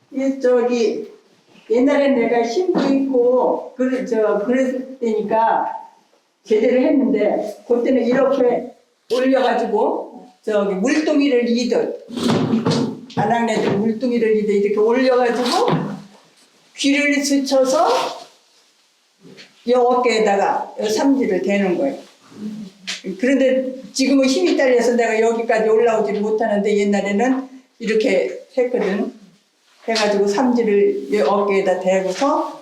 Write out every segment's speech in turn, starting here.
이 저기 옛날엔 내가 힘도 있고 그랬을 때니까 제대로 했는데 그때는 이렇게 올려가지고 저기 물동이를 이듯 아낙네들 물동이를 이듯 이렇게 올려가지고 귀를 스쳐서 이 어깨에다가 이 삼지를 대는 거예요. 그런데 지금은 힘이 딸려서 내가 여기까지 올라오지를 못하는데 옛날에는 이렇게 했거든. 해가지고 삼지를 이 어깨에다 대고서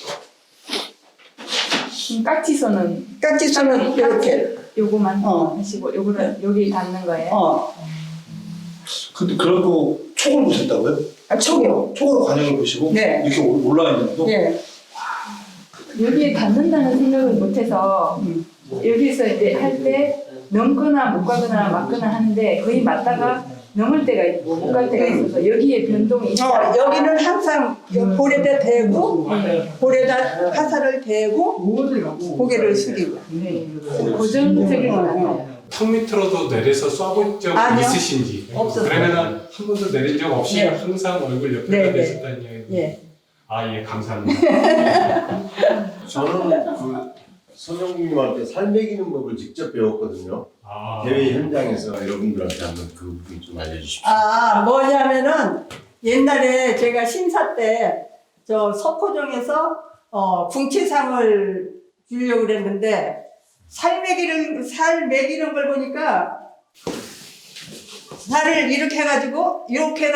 깍지선은 이렇게 요거만 하시고 요거는 여기 닿는 거예요. 근데 그래도 촉을 보셨다고요? 촉이요. 촉으로 관영을 보시고 네. 이렇게 올라와 있는 것도? 예. 여기에 닿는다는 생각을 못해서 여기서 이제 할 때 넘거나 못 가거나 맞거나 하는데 거의 맞다가 넘을 때가 있고 못 갈 때가 있어서 여기에 변동이 있다. 여기는 항상 볼에다 대고 볼에다 화살을 대고 고개를 숙이고 고정적인 것 같아요. 턱 밑으로도 내려서 쏴본 적 아니요. 있으신지? 없었어요. 그러면은 한 번도 내린 적 없이 네. 항상 얼굴 옆에다 네, 네. 내셨다는 이야기. 예. 아, 예, 감사합니다. 저는 그 선영님한테 살 먹이는 법을 직접 배웠거든요. 아, 대회 현장에서 여러분들한테 한번 그 부분 좀 알려주십시오. 뭐냐면은 옛날에 제가 심사 때 저 석호정에서 궁치상을 주려고 그랬는데 살 먹이는 걸 보니까 살을 이렇게 해가지고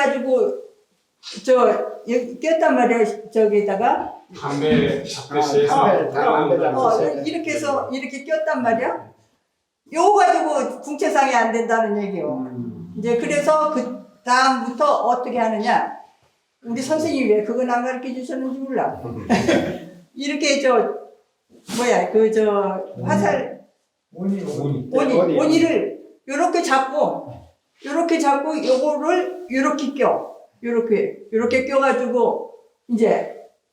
꼈단 말이야. 저기다가 담배 잡듯이 이렇게 해서 이렇게 꼈단 말이야. 요거 가지고 궁체상이 안 된다는 얘기요. 이제 그래서 그 다음부터 어떻게 하느냐. 우리 선생님이 왜 그건 안 가르쳐 주셨는지 몰라. 이렇게 화살 원이를 요렇게 잡고 요거를 요렇게 요렇게 껴가지고 이제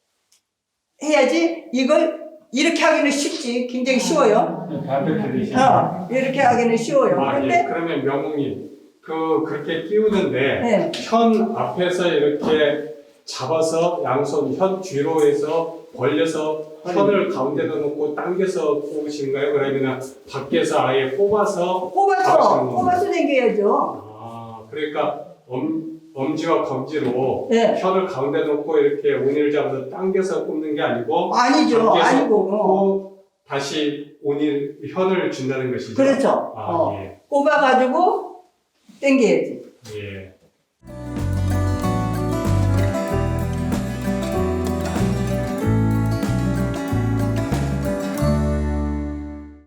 해야지. 이걸 이렇게 하기는 쉽지. 굉장히 쉬워요. 바베큐 이렇게 하기는 쉬워요. 아, 그런데 예. 그러면 명웅님, 그렇게 끼우는데 네. 현 앞에서 이렇게 잡아서 양손 현 뒤로 해서 벌려서 현을 가운데다 놓고 당겨서 뽑으신가요? 그러면 밖에서 아예 뽑아서 뽑아서 당겨야죠. 아, 그러니까 엄지와 검지로 네. 현을 가운데 놓고 이렇게 온이를 잡아서 당겨서 뽑는 게 아니고 아니죠. 당겨서 아니고. 뽑고 다시 현을 준다는 것이죠. 그렇죠. 아, 예. 뽑아가지고 당겨야지. 예.